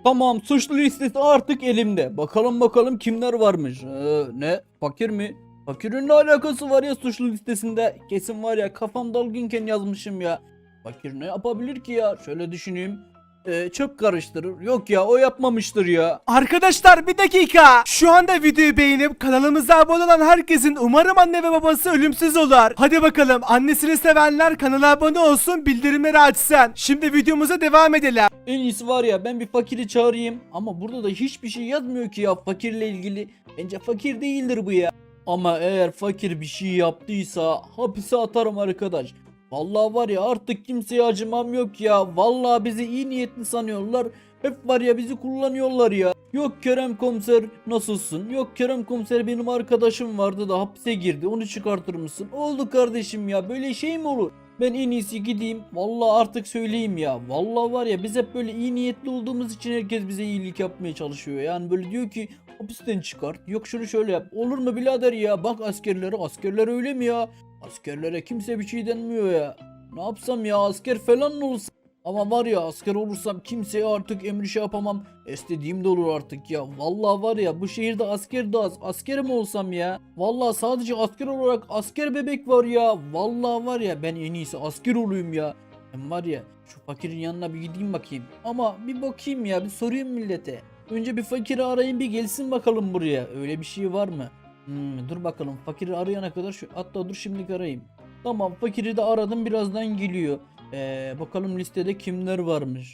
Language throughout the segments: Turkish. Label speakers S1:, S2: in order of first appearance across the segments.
S1: Tamam, suçlu listesi artık elimde. Bakalım kimler varmış. Ne? Fakir mi? Fakirin ne alakası var ya suçlu listesinde? Kesin var ya, kafam dalgınken yazmışım ya. Fakir ne yapabilir ki ya? Şöyle düşüneyim. Çöp karıştırır. Yok ya, o yapmamıştır ya.
S2: Arkadaşlar bir dakika. Şu anda videoyu beğenip kanalımıza abone olan herkesin umarım anne ve babası ölümsüz olur. Hadi bakalım, annesini sevenler kanala abone olsun, bildirimleri açsın. Şimdi videomuza devam edelim.
S1: En iyisi var ya, ben bir fakiri çağırayım. Ama burada da hiçbir şey yazmıyor ki ya fakirle ilgili. Bence fakir değildir bu ya. Ama eğer fakir bir şey yaptıysa hapise atarım arkadaş. Vallahi var ya, artık kimseye acımam yok ya. Vallahi bizi iyi niyetli sanıyorlar. Hep var ya, bizi kullanıyorlar ya. Yok Kerem komiser nasılsın? Yok Kerem komiser, benim arkadaşım vardı da hapse girdi, onu çıkartır mısın? Oldu kardeşim ya, böyle şey mi olur? Ben en iyisi gideyim. Vallahi artık söyleyeyim ya. Vallahi var ya, biz hep böyle iyi niyetli olduğumuz için herkes bize iyilik yapmaya çalışıyor. Yani böyle diyor ki hapisten çıkart. Yok şunu şöyle yap. Olur mu birader ya? Bak askerlere. Askerler öyle mi ya? Askerlere kimse bir şey denmiyor ya. Ne yapsam ya, asker falan mı olsam? Ama var ya, asker olursam kimseye artık emri şey yapamam. İstediğim de olur artık ya. Vallahi var ya, bu şehirde asker de az. Asker mi olsam ya? Vallahi sadece asker olarak asker bebek var ya. Vallahi var ya, ben en iyisi asker olayım ya. Ben var ya, şu fakirin yanına bir gideyim bakayım. Ama bir bakayım ya, bir sorayım millete. Önce bir fakiri arayayım, bir gelsin bakalım buraya. Öyle bir şey var mı? Dur bakalım, fakiri arayana kadar hatta dur şimdilik arayayım. Tamam, fakiri de aradım, birazdan geliyor. Bakalım listede kimler varmış.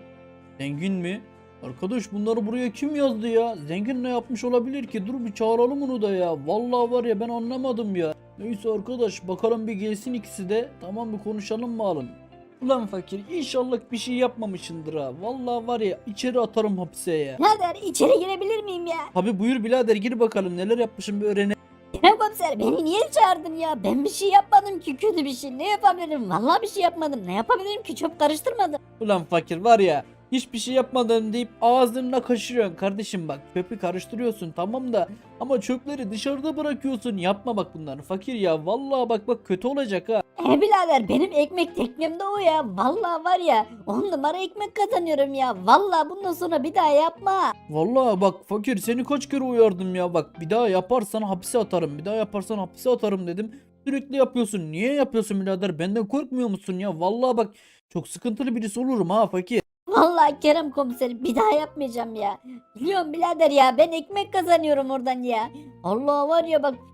S1: Zengin mi? Arkadaş, bunları buraya kim yazdı ya? Zengin ne yapmış olabilir ki? Dur bir çağıralım onu da ya. Vallahi var ya, ben anlamadım ya. Neyse arkadaş, bakalım bir gelsin ikisi de. Tamam, bir konuşalım bakalım. Ulan fakir, inşallah bir şey yapmamışındır ha. Vallahi var ya, içeri atarım hapise ya.
S3: Birader içeri girebilir miyim ya?
S1: Tabi buyur birader, gir bakalım neler yapmışım bir öğrenelim.
S3: Kerem komiser beni niye çağırdın ya? Ben bir şey yapmadım ki, kötü bir şey. Ne yapabilirim? Vallahi bir şey yapmadım. Ne yapabilirim ki? Çöp karıştırmadım.
S1: Ulan fakir var ya, hiçbir şey yapmadın deyip ağzına kaşırıyorsun kardeşim. Bak, çöpü karıştırıyorsun tamam da, ama çöpleri dışarıda bırakıyorsun. Yapma bak bunları fakir ya. Vallahi bak kötü olacak ha.
S3: Birader benim ekmek teknem de o ya. Vallahi var ya 10 numara ekmek kazanıyorum ya. Vallahi bundan sonra bir daha yapma.
S1: Vallahi bak fakir, seni kaç kere uyardım ya. Bak, bir daha yaparsan hapise atarım, bir daha yaparsan hapise atarım dedim. Sürekli yapıyorsun. Niye yapıyorsun birader? Benden korkmuyor musun ya? Vallahi bak, çok sıkıntılı birisi olurum ha fakir.
S3: Vallahi Kerem komiser bir daha yapmayacağım ya. Biliyorum birader ya, ben ekmek kazanıyorum oradan ya. Allah var ya bak.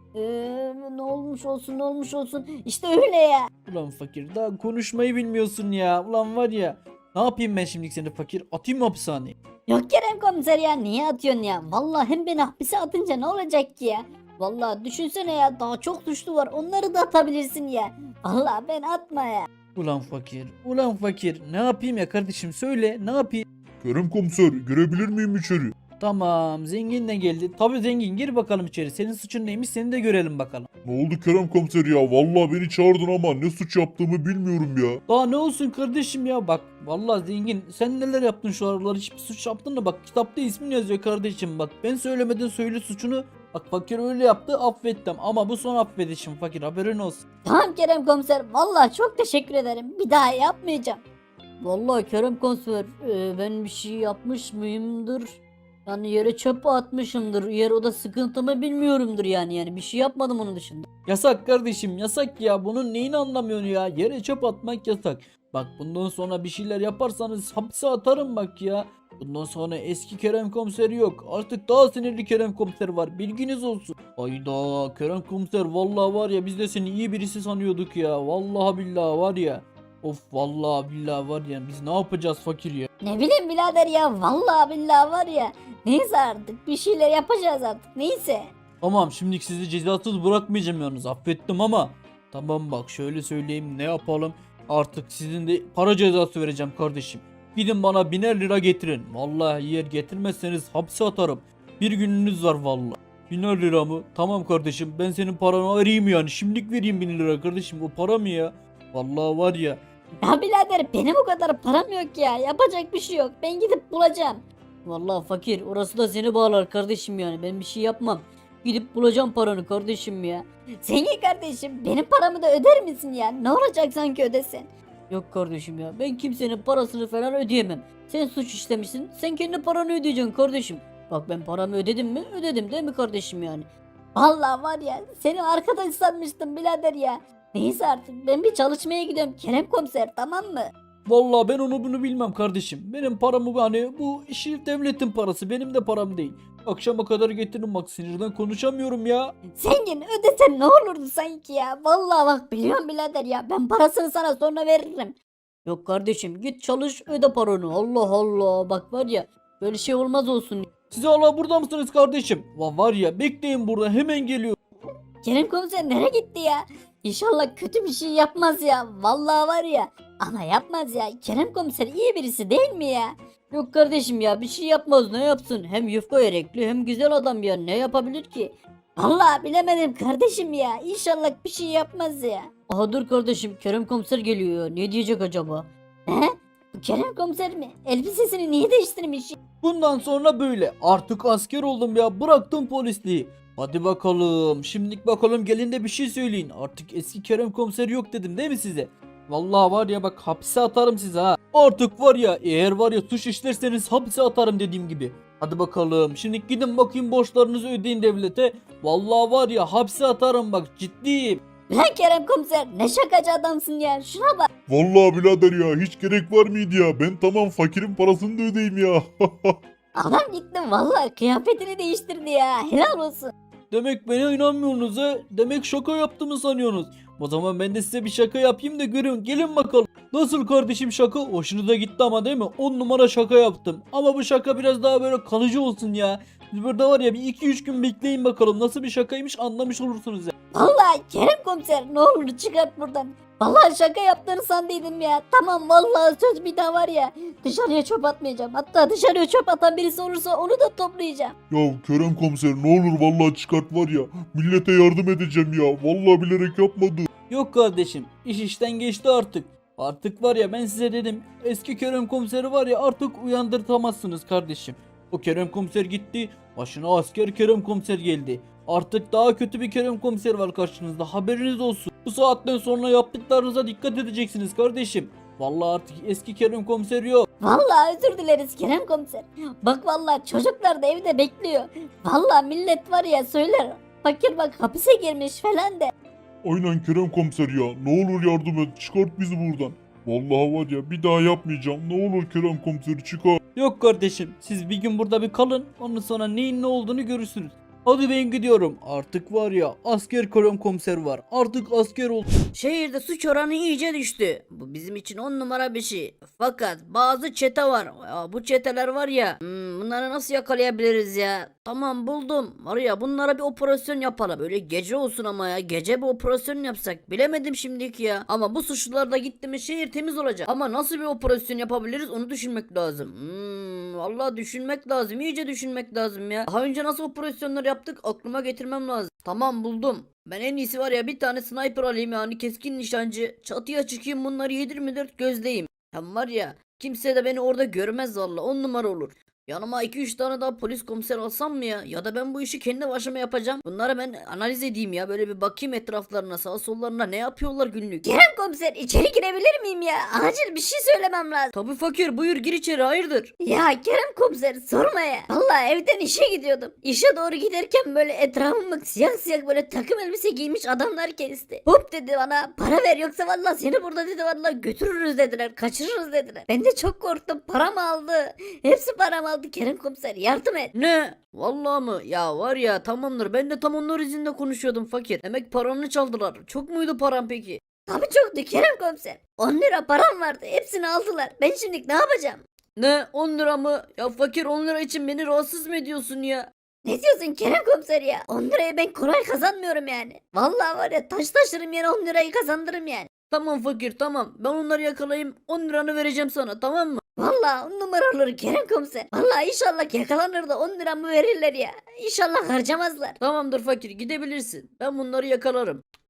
S3: Ne olmuş olsun, ne olmuş olsun. İşte öyle ya.
S1: Ulan fakir, daha konuşmayı bilmiyorsun ya. Ulan var ya, ne yapayım ben şimdi seni fakir? Atayım mı hapishaneye?
S3: Yok Kerem komiser ya, niye atıyorsun ya? Vallahi hem beni hapise atınca ne olacak ki ya? Vallahi düşünsene ya, daha çok suçlu var, onları da atabilirsin ya. Vallahi ben atma ya.
S1: Ulan fakir, ulan fakir. Ne yapayım ya kardeşim, söyle ne yapayım?
S4: Kerem komiser girebilir miyim içeri?
S1: Tamam, zengin de geldi. Tabii zengin, gir bakalım içeri. Senin suçun neymiş, seni de görelim bakalım.
S4: Ne oldu Kerem komiser ya? Vallahi beni çağırdın ama ne suç yaptığımı bilmiyorum ya.
S1: Daha ne olsun kardeşim ya, bak. Vallahi zengin, sen neler yaptın şu aralar, hiçbir suç yaptın mı? Bak, kitapta ismin yazıyor kardeşim, bak. Ben söylemeden söyle suçunu. Bak, fakir öyle yaptı, affettim. Ama bu son affedişim fakir, haberin olsun.
S3: Tamam Kerem komiser, vallahi çok teşekkür ederim. Bir daha yapmayacağım. Vallahi Kerem komiser, ben bir şey yapmış mıyımdır? Yani yere çöp atmışımdır. Yer oda sıkıntımı bilmiyorumdur yani bir şey yapmadım onun dışında.
S1: Yasak kardeşim, yasak ya. Bunun neyini anlamıyorsun ya? Yere çöp atmak yasak. Bak, bundan sonra bir şeyler yaparsanız hapse atarım bak ya. Bundan sonra eski Kerem komiseri yok. Artık daha sinirli Kerem komiser var. Bilginiz olsun. Ayda Kerem komiser, vallahi var ya, biz de seni iyi birisi sanıyorduk ya. Vallahi billahi var ya. Of, vallahi billahi var ya, biz ne yapacağız fakir ya?
S3: Ne bileyim birader ya, vallahi billahi var ya. Neyse artık bir şeyler yapacağız artık, neyse.
S1: Tamam, şimdi sizi cezasız bırakmayacağım yalnız, affettim ama. Tamam bak, şöyle söyleyeyim, ne yapalım? Artık sizin de para cezası vereceğim kardeşim. Gidin bana 1000'er lira getirin. Vallahi eğer getirmezseniz hapse atarım. Bir gününüz var vallahi. 1000'er lira mı? Tamam kardeşim, ben senin paranı vereyim yani. Şimdilik vereyim 1000 lira kardeşim, o para mı ya? Vallahi var ya.
S3: Ya birader benim o kadar param yok ya. Yapacak bir şey yok. Ben gidip bulacağım. Vallahi fakir, orası da seni bağlar kardeşim yani. Ben bir şey yapmam. Gidip bulacağım paranı kardeşim ya. Zengin kardeşim, benim paramı da öder misin ya? Ne olacak sanki ödesen? Yok kardeşim ya, ben kimsenin parasını falan ödeyemem. Sen suç işlemişsin, sen kendi paranı ödeyeceksin kardeşim. Bak ben paramı ödedim mi? Ödedim değil mi kardeşim yani? Vallahi var ya, seni arkadaş sanmıştım birader ya. Neyse artık ben bir çalışmaya gidiyorum Kerem komiser, tamam mı?
S1: Vallahi ben onu bunu bilmem kardeşim. Benim paramı hani bu işi devletin parası, benim de param değil. Akşama kadar getiririm, bak sinirden konuşamıyorum ya.
S3: Zengin ödesen ne olurdu sanki ya. Vallahi bak biliyorum birader ya, ben parasını sana sonra veririm. Yok kardeşim, git çalış öde paranı. Allah Allah, bak var ya, böyle şey olmaz olsun.
S1: Siz hala burada mısınız kardeşim? Var ya, bekleyin burada, hemen geliyor.
S3: Kerem komiser nereye gitti ya? İnşallah kötü bir şey yapmaz ya. Vallahi var ya. Ama yapmaz ya. Kerem komiser iyi birisi değil mi ya? Yok kardeşim ya, bir şey yapmaz, ne yapsın? Hem yufka yürekli hem güzel adam ya, ne yapabilir ki? Vallahi bilemedim kardeşim ya. İnşallah bir şey yapmaz ya. Aha dur kardeşim, Kerem komiser geliyor ya. Ne diyecek acaba? He? Bu Kerem komiser mi? Elbisesini niye değiştirmiş?
S1: Bundan sonra böyle. Artık asker oldum ya, bıraktım polisliği. Hadi bakalım. Şimdilik bakalım, gelin de bir şey söyleyin. Artık eski Kerem komiseri yok dedim değil mi size? Vallahi var ya, bak hapse atarım sizi ha. Artık var ya, eğer var ya suç işlerseniz hapse atarım dediğim gibi. Hadi bakalım. Şimdi gidin bakayım, borçlarınızı ödeyin devlete. Vallahi var ya, hapse atarım, bak ciddiyim.
S3: Lan Kerem komiser ne şakacı adamsın ya. Şuna bak.
S4: Vallahi birader ya hiç gerek var mıydı ya? Ben tamam fakirin parasını da ödeyeyim ya.
S3: Adam gitti vallahi kıyafetini değiştirdi ya. Helal olsun.
S1: Demek bana inanmıyorsunuz ha? Demek şaka yaptığımı sanıyorsunuz. O zaman ben de size bir şaka yapayım da görün. Gelin bakalım. Nasıl kardeşim şaka? Hoşunuza gitti ama değil mi? 10 numara şaka yaptım. Ama bu şaka biraz daha böyle kalıcı olsun ya. Siz burada var ya, bir 2-3 gün bekleyin bakalım. Nasıl bir şakaymış anlamış olursunuz ya.
S3: Vallahi Kerem komiser ne olur çıkart buradan. Vallahi şaka yaptığını sandıydım ya. Tamam vallahi söz, bir daha var ya. Dışarıya çöp atmayacağım. Hatta dışarıya çöp atan birisi olursa onu da toplayacağım.
S4: Ya Kerem komiser ne olur vallahi çıkart var ya. Millete yardım edeceğim ya. Vallahi bilerek yapmadım.
S1: Yok kardeşim, iş işten geçti artık. Artık var ya, ben size dedim, eski Kerem komiseri var ya, artık uyandırtamazsınız kardeşim. O Kerem komiser gitti, başına asker Kerem komiser geldi. Artık daha kötü bir Kerem komiser var karşınızda, haberiniz olsun. Bu saatten sonra yaptıklarınıza dikkat edeceksiniz kardeşim. Vallahi artık eski Kerem komiser yok.
S3: Vallahi özür dileriz Kerem komiser. Bak vallahi çocuklar da evde bekliyor. Vallahi millet var ya söyler. Fakir bak hapise girmiş falan de.
S4: Aynen Kerem komiser ya. Ne olur yardım et. Çıkart bizi buradan. Vallahi var ya bir daha yapmayacağım. Ne olur Kerem komiseri çıkar.
S1: Yok kardeşim, siz bir gün burada bir kalın, ondan sonra neyin ne olduğunu görürsünüz. Hadi ben gidiyorum. Artık var ya, asker Kerem komiser var. Artık asker oldu.
S3: Şehirde suç oranı iyice düştü. Bu bizim için 10 numara bir şey. Fakat bazı çete var. Ya bu çeteler var ya. Bunları nasıl yakalayabiliriz ya? Tamam buldum. Var ya, bunlara bir operasyon yapalım. Böyle gece olsun ama ya. Gece bir operasyon yapsak. Bilemedim şimdiki ya. Ama bu suçlular da gitti mi şehir temiz olacak. Ama nasıl bir operasyon yapabiliriz onu düşünmek lazım. Vallahi düşünmek lazım. İyice düşünmek lazım ya. Daha önce nasıl operasyonlar yaptık aklıma getirmem lazım. Tamam buldum. Ben en iyisi var ya, bir tane sniper alayım, yani keskin nişancı. Çatıya çıkayım, bunları 7/24 gözleyeyim. Hem var ya, kimse de beni orada görmez valla, 10 numara olur. Yanıma 2-3 tane daha polis komiser alsam mı ya? Ya da ben bu işi kendi başıma yapacağım. Bunları ben analiz edeyim ya. Böyle bir bakayım etraflarına, sağa sollarına, ne yapıyorlar günlük. Kerem komiser içeri girebilir miyim ya? Acil bir şey söylemem lazım. Tabii fakir, buyur gir içeri, hayırdır? Ya Kerem komiser sorma ya. Vallahi evden işe gidiyordum. İşe doğru giderken böyle etrafımı siyah siyah böyle takım elbise giymiş adamlar kesti. Hop dedi bana, para ver yoksa vallahi seni burada dedi vallahi götürürüz dediler, kaçırırız dediler. Ben de çok korktum, param aldı. Hepsi param aldı. Kerem komiser yardım et. Ne? Vallahi mı? Ya var ya, tamamdır, ben de tam onlar izinde konuşuyordum fakir. Demek paranı çaldılar. Çok muydu param peki? Tabii çoktu Kerem komiser. 10 lira param vardı, hepsini aldılar. Ben şimdi ne yapacağım? Ne 10 lira mı? Ya fakir, 10 lira için beni rahatsız mı ediyorsun ya? Ne diyorsun Kerem komiser ya? 10 lirayı ben kolay kazanmıyorum yani. Vallahi var ya, taş taşırım yere 10 lirayı kazandırırım yani. Tamam fakir, tamam, ben onları yakalayayım, 10 liranı vereceğim sana, tamam mı? Vallahi 10 numara olur Kerem komiser. Vallahi inşallah yakalanır da 10 liramı verirler ya. İnşallah harcamazlar. Tamamdır fakir, gidebilirsin. Ben bunları yakalarım.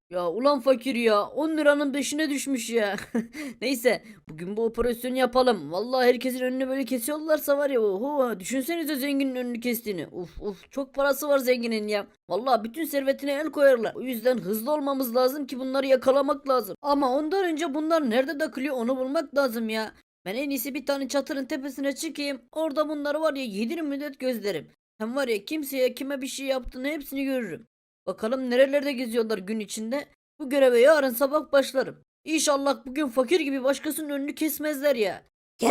S5: Ya ulan fakir ya 10 liranın peşine düşmüş ya. Neyse bugün bu operasyonu yapalım. Vallahi herkesin önünü böyle kesiyorlarsa var ya oho düşünsenize zenginin önünü kestiğini. Uf uf çok parası var zenginin ya. Vallahi bütün servetine el koyarlar. O yüzden hızlı olmamız lazım ki bunları yakalamak lazım. Ama ondan önce bunlar nerede takılıyor onu bulmak lazım ya. Ben en iyisi bir tane çatırın tepesine çıkayım. Orada bunları var ya 7 müddet gözlerim. Hem var ya kimseye kime bir şey yaptığını hepsini görürüm. Bakalım nerelerde geziyorlar gün içinde. Bu göreve yarın sabah başlarım. İnşallah bugün fakir gibi başkasının önünü kesmezler ya.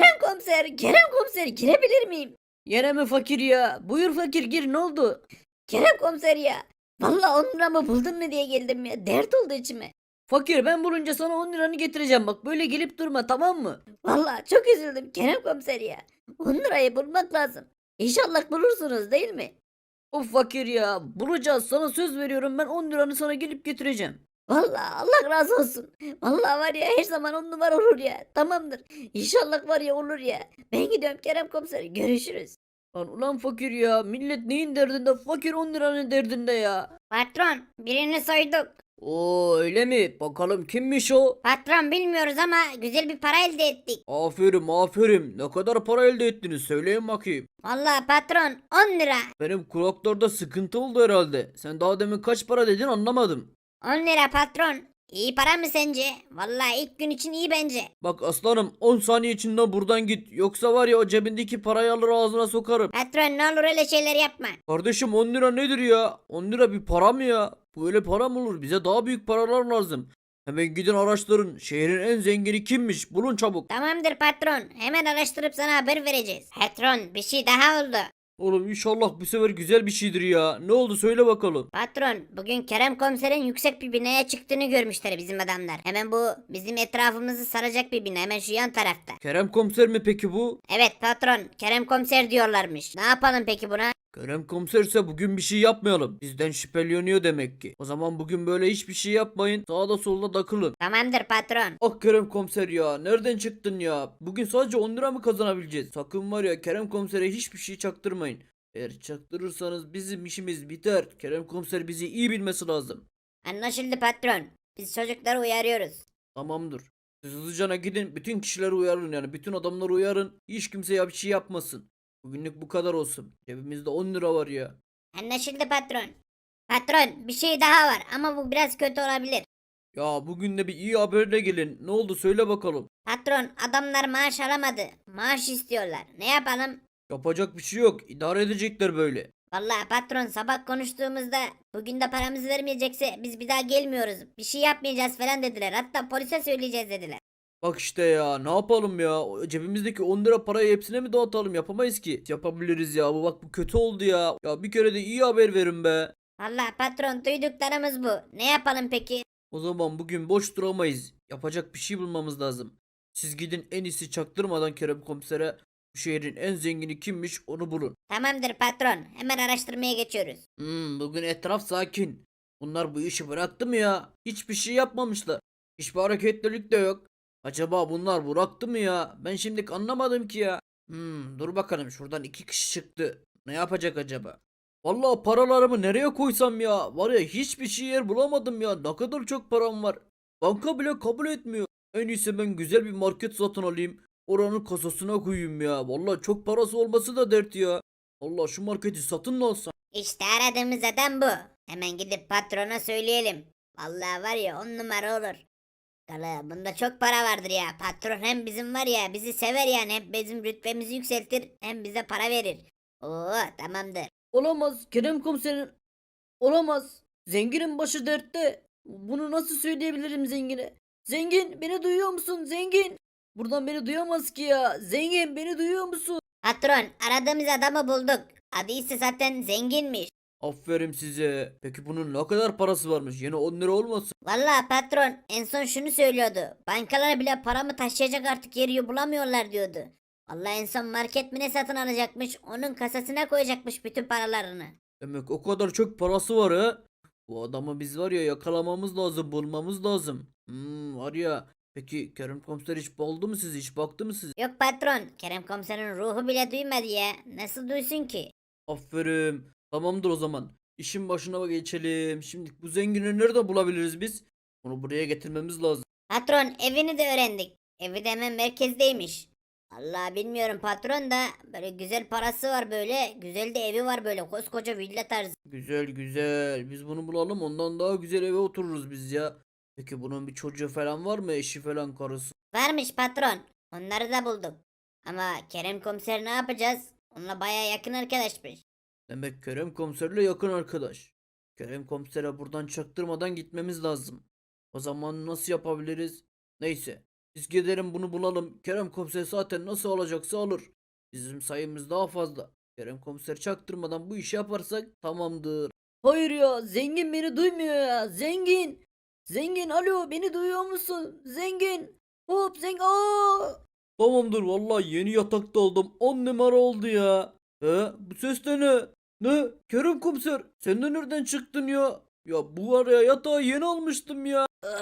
S3: Kerem komiser girebilir miyim?
S5: Yine mi fakir ya? Buyur fakir gir ne oldu?
S3: Kerem komiser ya. Vallahi 10 liramı buldun mu diye geldim ya. Dert oldu içime.
S5: Fakir ben bulunca sana 10 liranı getireceğim bak böyle gelip durma tamam mı?
S3: Vallahi çok üzüldüm Kerem komiser ya. 10 lirayı bulmak lazım. İnşallah bulursunuz değil mi?
S5: Of fakir ya bulacağız sana söz veriyorum ben 10 liranı sana gelip getireceğim.
S3: Vallahi Allah razı olsun. Vallahi var ya her zaman 10 numara olur ya. Tamamdır. İnşallah var ya olur ya. Ben gidiyorum Kerem komiser. Görüşürüz.
S5: Ulan fakir ya millet neyin derdinde fakir 10 liranın derdinde ya.
S3: Patron birini soyduk.
S5: Oo öyle mi? Bakalım kimmiş o?
S3: Patron bilmiyoruz ama güzel bir para elde ettik.
S5: Aferin aferin. Ne kadar para elde ettiniz söyleyin bakayım.
S3: Vallahi patron 10 lira.
S5: Benim kulaklarda sıkıntı oldu herhalde. Sen daha demin kaç para dedin anlamadım.
S3: 10 lira patron. İyi para mı sence? Vallahi ilk gün için iyi bence.
S5: Bak aslanım 10 saniye içinde buradan git. Yoksa var ya o cebindeki parayı alır ağzına sokarım.
S3: Patron ne olur öyle şeyler yapma.
S5: Kardeşim 10 lira nedir ya? 10 lira bir para mı ya? Böyle para mı olur? Bize daha büyük paralar lazım. Hemen gidin araştırın. Şehrin en zengini kimmiş? Bulun çabuk.
S3: Tamamdır patron. Hemen araştırıp sana haber vereceğiz. Patron bir şey daha oldu.
S5: Oğlum inşallah bu sefer güzel bir şeydir ya. Ne oldu söyle bakalım.
S3: Patron bugün Kerem komiserin yüksek bir binaya çıktığını görmüşler bizim adamlar. Hemen bu bizim etrafımızı saracak bir bina hemen şu yan tarafta.
S5: Kerem komiser mi peki bu?
S3: Evet patron Kerem komiser diyorlarmış. Ne yapalım peki buna?
S5: Kerem komiserse bugün bir şey yapmayalım. Bizden şüpheleniyor demek ki. O zaman bugün böyle hiçbir şey yapmayın. Sağda solda takılın.
S3: Tamamdır patron.
S5: Ah Kerem komiser ya. Nereden çıktın ya? Bugün sadece 10 lira mı kazanabileceğiz? Sakın var ya Kerem komisere hiçbir şey çaktırmayın. Eğer çaktırırsanız bizim işimiz biter. Kerem komiser bizi iyi bilmesi lazım.
S3: Anlaşıldı patron. Biz çocukları uyarıyoruz.
S5: Tamamdır. Siz hızlıcana gidin. Bütün kişileri uyarın yani. Bütün adamları uyarın. Hiç kimse ya bir şey yapmasın. Bugünlük bu kadar olsun. Cebimizde 10 lira var ya.
S3: Anlaşıldı patron. Patron bir şey daha var ama bu biraz kötü olabilir.
S5: Ya bugün de bir iyi haberle gelin. Ne oldu söyle bakalım.
S3: Patron adamlar maaş alamadı. Maaş istiyorlar. Ne yapalım?
S5: Yapacak bir şey yok. İdare edecekler böyle.
S3: Vallahi patron sabah konuştuğumuzda bugün de paramızı vermeyecekse biz bir daha gelmiyoruz. Bir şey yapmayacağız falan dediler. Hatta polise söyleyeceğiz dediler.
S5: Bak işte ya ne yapalım ya. O cebimizdeki 10 lira parayı hepsine mi dağıtalım? Yapamayız ki. Yapabiliriz ya. Bu bak bu kötü oldu ya. Ya bir kere de iyi haber verin be.
S3: Vallahi patron duyduklarımız bu. Ne yapalım peki?
S5: O zaman bugün boş duramayız. Yapacak bir şey bulmamız lazım. Siz gidin en iyisi çaktırmadan Kerem komisere bu şehrin en zengini kimmiş onu bulun.
S3: Tamamdır patron. Hemen araştırmaya geçiyoruz.
S5: Bugün etraf sakin. Bunlar bu işi bıraktı mı ya? Hiçbir şey yapmamışlar. Hiçbir hareketlilik de yok. Acaba bunlar bıraktı mı ya? Ben şimdi anlamadım ki ya. Dur bakalım şuradan 2 kişi çıktı. Ne yapacak acaba? Vallahi paralarımı nereye koysam ya? Var ya hiçbir şey yer bulamadım ya. Ne kadar çok param var. Banka bile kabul etmiyor. En iyisi ben güzel bir market satın alayım. Oranın kasasına koyayım ya. Vallahi çok parası olması da dert ya. Allah şu marketi satın mı alsam?
S3: İşte aradığımız adam bu. Hemen gidip patrona söyleyelim. Vallahi var ya 10 numara olur. Kala bunda çok para vardır ya. Patron hem bizim var ya bizi sever yani. Hem bizim rütbemizi yükseltir hem bize para verir. Oo tamamdır.
S5: Olamaz. Kerem komiserin olamaz. Zenginin başı dertte. Bunu nasıl söyleyebilirim zengine? Zengin beni duyuyor musun zengin? Buradan beni duyamaz ki ya. Zengin beni duyuyor musun?
S3: Patron aradığımız adamı bulduk. Adı ise zaten zenginmiş.
S5: Aferin size. Peki bunun ne kadar parası varmış? Yine 10 lira olmasın?
S3: Vallahi patron en son şunu söylüyordu. Bankalar bile paramı taşıyacak artık yeri bulamıyorlar diyordu. Vallahi en son market mi ne satın alacakmış. Onun kasasına koyacakmış bütün paralarını.
S5: Demek o kadar çok parası var ha. Bu adamı biz var ya yakalamamız lazım, bulmamız lazım. Var ya. Peki Kerem komiser hiç buldu mu sizi? Hiç baktı mı sizi?
S3: Yok patron Kerem komiserin ruhu bile duymadı ya. Nasıl duysun ki?
S5: Aferin. Tamamdır o zaman.
S1: işin başına geçelim. Şimdi bu zengini nerede bulabiliriz biz? Onu buraya getirmemiz lazım.
S6: Patron evini de öğrendik. Evi de hemen merkezdeymiş. Allah bilmiyorum patron da böyle güzel parası var böyle. Güzel de evi var böyle koskoca villa tarzı.
S1: Güzel güzel. Biz bunu bulalım, ondan daha güzel eve otururuz biz ya. Peki bunun bir çocuğu falan var mı? Eşi falan, karısı?
S6: Varmış patron. Onları da buldum. Ama Kerem komiser ne yapacağız? Onunla baya yakın arkadaşmış.
S1: Demek Kerem komiserle yakın arkadaş. Kerem komisere buradan çaktırmadan gitmemiz lazım. O zaman nasıl yapabiliriz? Neyse. Biz gidelim bunu bulalım. Kerem komiser zaten nasıl alacaksa alır. Bizim sayımız daha fazla. Kerem komiser çaktırmadan bu işi yaparsak tamamdır.
S5: Hayır ya, zengin beni duymuyor ya. Zengin. Zengin, alo, beni duyuyor musun? Zengin. Hop zengin. Aa!
S1: Tamamdır, vallahi yeni yatakta oldum. 10 numara oldu ya. Bu ses de ne? Ne? Kerem komiser, sen de nereden çıktın ya? Ya bu var ya, yatağı yeni almıştım ya.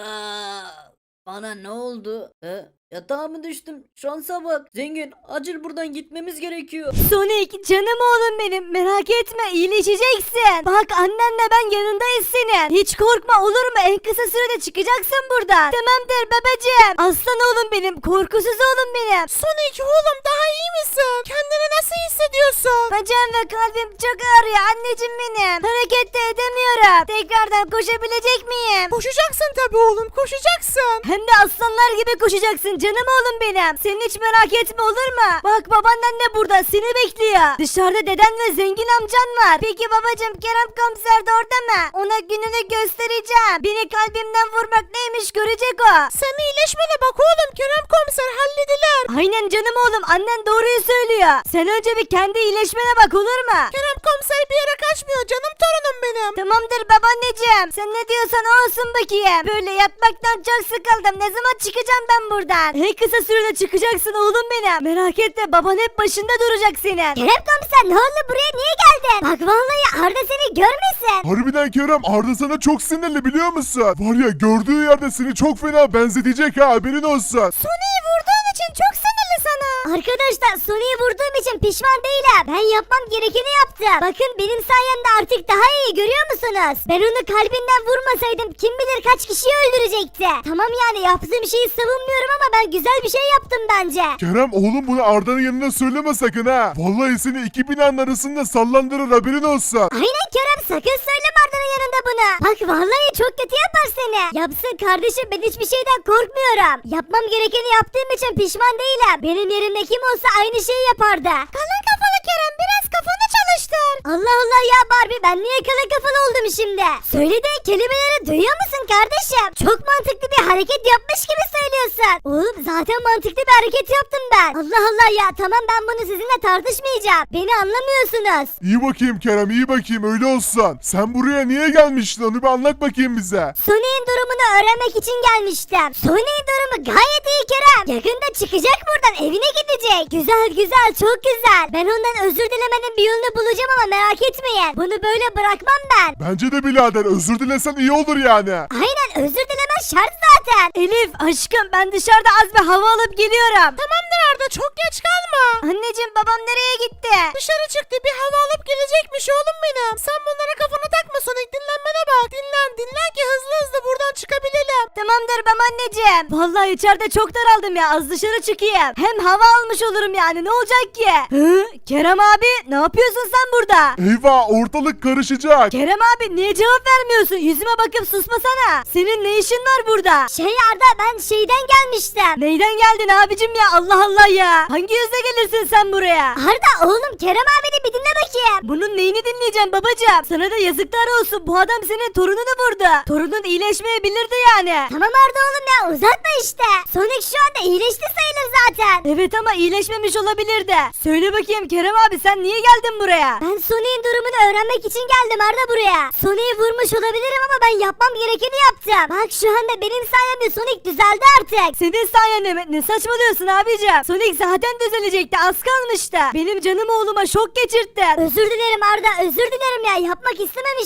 S5: Bana ne oldu? Yatağa mı düştüm? Şansa bak. Zengin, acil buradan gitmemiz gerekiyor.
S7: Sonic canım oğlum benim, merak etme, iyileşeceksin. Bak annenle ben yanındayız senin. Hiç korkma, olur mu? En kısa sürede çıkacaksın buradan. Tamamdır babacığım. Aslan oğlum benim, korkusuz oğlum benim.
S2: Sonic oğlum daha iyi misin? Kendini nasıl hissediyorsun?
S7: Bacağım ve kalbim çok ağrıyor anneciğim benim. Hareket de edemiyorum. Tekrardan koşabilecek miyim?
S2: Koşacaksın tabii oğlum, koşacaksın.
S7: Hem de aslanlar gibi koşacaksın canım oğlum benim. Sen hiç merak etme, olur mu? Bak babaannen de burada seni bekliyor. Dışarıda deden ve zengin amcan var. Peki babacığım, Kerem komiser de orada mı? Ona gününü göstereceğim. Beni kalbimden vurmak neymiş görecek o.
S2: Sen iyileşmene bak oğlum, Kerem komiser hallediler.
S7: Aynen canım oğlum, annen doğruyu söylüyor. Sen önce bir kendi iyileşmene bak, olur mu?
S2: Kerem komiser bir yere kaçmıyor canım torunum benim.
S7: Tamamdır babaanneciğim. Sen ne diyorsan o olsun bakayım. Böyle yatmaktan çok sıkıldım. Ne zaman çıkacağım ben buradan? En kısa sürede çıkacaksın oğlum benim. Merak etme, baban hep başında duracak senin.
S3: Kerem komiser ne oldu, buraya niye geldin? Bak vallahi Arda seni görmesin.
S4: Harbiden Kerem, Arda sana çok sinirli biliyor musun? Var ya, gördüğü yerde seni çok fena benzetecek ha, haberin olsun.
S7: Sony'yi vurduğun için çok sinirli sana.
S3: Arkadaşlar Sony'yi vurduğum için pişman değilim. Ben yapmam gerekeni yaptım. Bakın benim sayemde artık daha iyi, görüyor musunuz? Ben onu kalbinden vurmasaydım kim bilir kaç kişiyi öldürecekti. Tamam yani yaptığım şeyi savunmuyorum ama ben güzel bir şey yaptım bence.
S4: Kerem oğlum, bunu Arda'nın yanına söyleme sakın ha. Vallahi seni iki binanın arasında sallandırır, haberin olsun.
S3: Aynen Kerem, sakın söyleme Arda'nın yanında bunu. Bak vallahi çok kötü yapar seni. Yapsın kardeşim, ben hiçbir şeyden korkmuyorum. Yapmam gerekeni yaptığım için pişman değilim. Benim yerimde kim olsa aynı şeyi yapardı. Kalın kafalı Kerem, biraz kafanı çalıştır. Allah Allah ya Barbie, ben niye kalın kafalı oldum şimdi? Söylediğin kelimeleri duyuyor musun kardeşim? Çok mantıklı bir hareket yapmış gibi söylüyorsun. Oğlum zaten mantıklı bir hareket yaptım ben. Allah Allah ya, tamam ben bunu sizinle tartışmayacağım. Beni anlamıyorsunuz.
S4: İyi bakayım Kerem, iyi bakayım, öyle olsun. Sen buraya niye gelmiştin, onu bir anlat bakayım bize.
S3: Sony'in durumunu öğrenmek için gelmiştim. Sony'in durumu gayet iyi Kerem. Yakında çıkacak buradan, evine gidecek. Güzel güzel, çok güzel. Ben ondan özür dilemenin bir yolunu bulacağım ama merak etmeyin. Bunu böyle bırakmam ben.
S4: Bence de birader, özür dilesen iyi olur yani.
S3: Aynen, özür dilemen şart zaten.
S7: Elif aşkım, ben dışarıda az bir hava alıp geliyorum.
S2: Tamamdır Arda, çok geç kalma.
S7: Anneciğim, babam nereye gitti?
S2: Dışarı çıktı, bir hava alıp gelecekmiş oğlum benim. Sen bunlara kafanı takma Sonic, dinlenmene bak. Dinlen ki hızlı hızlı buradan çıkabilelim.
S7: Tamamdır babaanneciğim. Vallahi içeride çok daraldım ya, az dışarı çıkayım. Hem hava almış olurum yani, ne olacak ki? Kerem abi, ne yapıyorsun sen burada?
S4: Eyvah, ortalık karışacak.
S7: Kerem abi, niye cevap vermiyorsun? Yüzüme bakıp susmasana. Senin ne işin var burada?
S3: Arda, ben şeyden gelmiştim.
S7: Neyden geldin abicim ya, Allah Allah ya. Hangi yüzle gelirsin sen buraya?
S3: Arda oğlum, Kerem abini bir dinle bakayım.
S7: Bunun neyini dinleyeceğim babacığım? Sana da yazıklar olsun, bu adam senin torununu vurdu. Torunun iyileşmeyebilirdi yani.
S3: Tamam Arda oğlum ya, uzatma işte. Sonic şu anda iyileşti sayılır zaten.
S7: Evet ama iyileşmemiş olabilirdi. Söyle bakayım Kerem abi, sen niye geldin buraya?
S3: Ben Sonic'in durumunu öğrenmek için geldim Arda buraya. Sonic'i vurmuş olabilirim ama ben yapmam gerekeni yaptım. Bak şu anda benim sayemde Sonic düzeldi artık.
S7: Senin sayende mi? Ne saçmalıyorsun abicim? Sonic zaten düzelecekti, az kalmıştı. Benim canım oğluma şok geçirttin.
S3: Özür dilerim Arda, özür dilerim ya, yapmak istememiştim.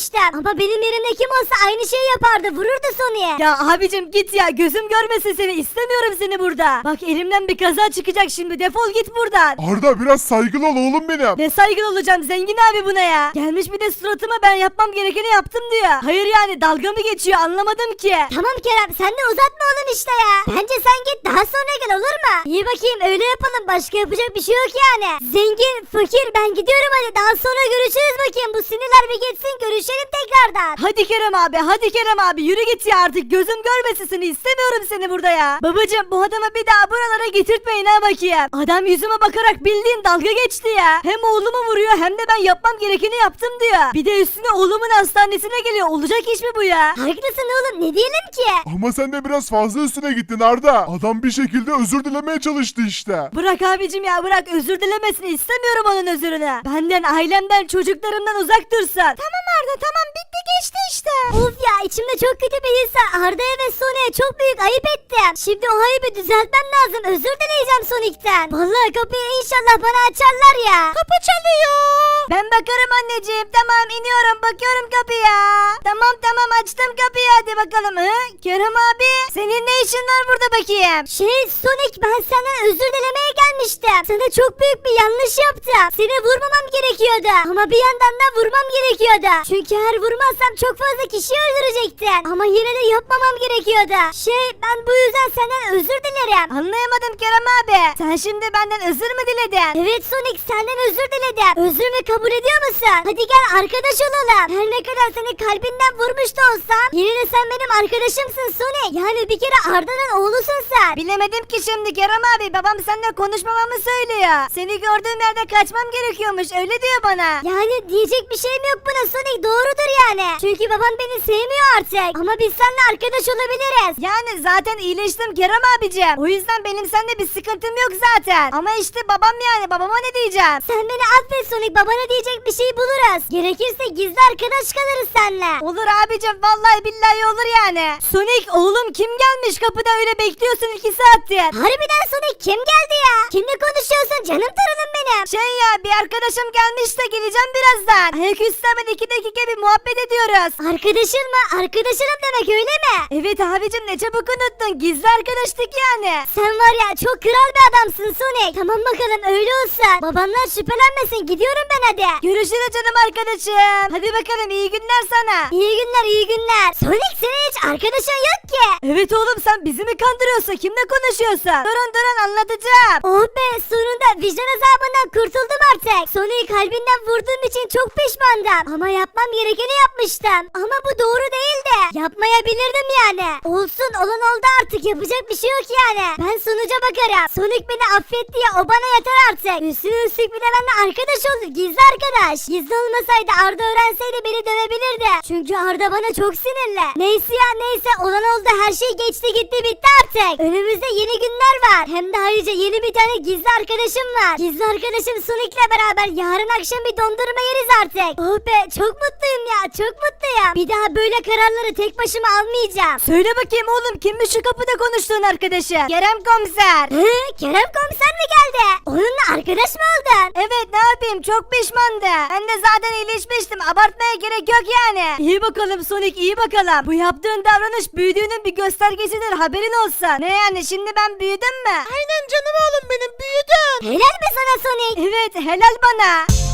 S7: yapmıştım. Ama benim yerimde kim olsa aynı şeyi yapardı. Vururdu Sonic'e. Ya abicim git ya. Gözüm görmesin seni. İstemiyorum seni burada. Bak elimden bir kaza çıkacak şimdi. Defol git buradan.
S4: Arda biraz saygılı ol oğlum benim.
S7: Ne saygılı olacağım zengin abi buna ya. Gelmiş bir de suratıma ben yapmam gerekeni yaptım diyor. Hayır yani dalga mı geçiyor anlamadım ki. Tamam Kerem sen de uzatma oğlum işte ya. Bence sen git daha sonra gel olur mu? İyi bakayım öyle yapalım başka yapacak bir şey yok yani. Zengin fakir ben gidiyorum hadi daha sonra görüşürüz bakayım. Bu sinirler bir geçsin görüşelim tekrardan. Hadi Kerem abi hadi Kerem abi yürü git ya artık gözüm görmesin seni istemiyorum seni burada ya. Babacım bu adamı bir daha buralara getirtmeyin ha bakayım. Adam yüzüme bakarak bildiğin dalga geçti ya. Hem oğlumu vuruyor hem de ben yapmam gerekeni yaptım diyor. Bir de üstüne oğlumun hastanesine geliyor. Olacak iş mi bu ya? Haklısın oğlum ne diyelim ki?
S4: Ama sen de biraz fazla üstüne gittin Arda. Adam bir şekilde özür dilemeye çalıştı işte.
S7: Bırak abicim ya bırak özür dilemesini istemiyorum onun özrünü. Benden ailemden çocuklarımdan uzak dursun. Tamam Arda tamam bitti geçti işte. Of ya içimde çok kötü bir his var. Arda'ya ve Sonic'e çok büyük ayıp ettim. Şimdi o ayıbı düzeltmem lazım. Özür dileyeceğim Sonic'ten. Vallahi kapıyı inşallah bana açarlar ya. Kapı çalıyor. Ben bakarım anneciğim tamam iniyorum bakıyorum kapıya. Tamam açtım kapıyı hadi bakalım. Kerem abi senin ne işin var burada bakayım? Sonic ben senden özür dilemeye gelmiştim. Sana çok büyük bir yanlış yaptım. Seni vurmamam gerekiyordu. Ama bir yandan da vurmam gerekiyordu. Çünkü eğer vurmazsam çok fazla kişi öldürecektin. Ama yine de yapmamam gerekiyordu. Ben bu yüzden senden özür dilerim. Anlayamadım Kerem abi. Sen şimdi benden özür mü diledin? Evet Sonic senden özür diledim. Özrümü kabul ediyor musun? Hadi gel arkadaş olalım. Her ne kadar seni kalbinden vurmuş da olsam yine de sen benim arkadaşımsın Sonic. Yani bir kere Arda'nın oğlusun sen. Bilemedim ki şimdi Kerem abi. Babam seninle konuşmamamı söylüyor. Seni gördüğüm yerde kaçmam gerekiyormuş. Öyle diyor bana. Yani diyecek bir şeyim yok buna Sonic. Doğrudur yani. Çünkü babam beni sevmiyor artık. Ama biz seninle arkadaş olabiliriz. Yani zaten iyileştim Kerem abicim. O yüzden benim seninle bir sıkıntım yok zaten. Ama işte babam yani. Babama ne diyeceğim? Sen beni affet Sonic. Babana diyecek bir şey buluruz. Gerekirse gizli arkadaş kalırız seninle. Olur abicim. Vallahi billahi olur yani. Sonic oğlum kim gelmiş kapıda öyle bekliyorsun 2 saattir. Harbiden Sonic kim geldi ya? Kimle konuşuyorsun canım torunum benim? Ya bir arkadaşım gelmiş de geleceğim birazdan. Ayaküstü hemen 2 dakika bir muhabbet ediyoruz. Arkadaşın mı? Arkadaşınım demek öyle mi? Evet abicim ne çabuk unuttun. Gizli arkadaştık yani. Sen var ya çok kral bir adamsın Sonic. Tamam bakalım öyle olsun. Babamdan şüphelenmesin gidiyorum ben hadi. Görüşürüz canım arkadaşım. Hadi bakalım iyi günler sana. İyi günler iyi günler. Sonic senin hiç arkadaşın yok ki. Evet oğlum sen bizi mi kandırıyorsun? Kimle konuşuyorsun? Durun anlatacağım. Oh be sonunda vicdan azabından kurtuldum artık. Sonic'i kalbinden vurduğum için çok pişmandım. Ama yapmam gerekeni yapmıştım. Ama bu doğru değildi. Yapmayabilirdim yani. Olsun olan oldu artık yapacak bir şey yok yani. Ben sonuca bakarım. Sonic beni affetti ya o bana yeter artık. Üstüne üstlük bir de benimle arkadaş oldu. Gizli arkadaş. Gizli olmasaydı Arda öğrenseydi beni dövebilirdi. Çünkü Arda bana çok sinirli. Neyse ya neyse olan oldu her şey geçti gitti bitti artık. Önümüzde yeni günler var. Hem de ayrıca yeni bir tane gizli arkadaşım var. Gizli arkadaşım Sonic'le beraber yarın akşam bir dondurma yeriz artık. Oh be çok mutluyum ya çok mutluyum. Bir daha böyle kararları tek başıma almayacağım. Söyle bakayım oğlum kimmiş şu kapıda konuştuğun arkadaşın? Kerem komiser. Kerem komiser mi geldi? Onunla arkadaş mı oldun? Evet ne yapayım çok pişmandı. Ben de zaten iyileşmiştim abartmaya gerek yok yani. İyi bakalım Sonic iyi bakalım. Bu yaptığın davranış büyüdüğünün bir göstergesidir haberin olsun. Ne yani şimdi ben büyüdüm mü? Aynen canım oğlum benim büyüdün. Helal mi sana Sonic? Evet helal bana.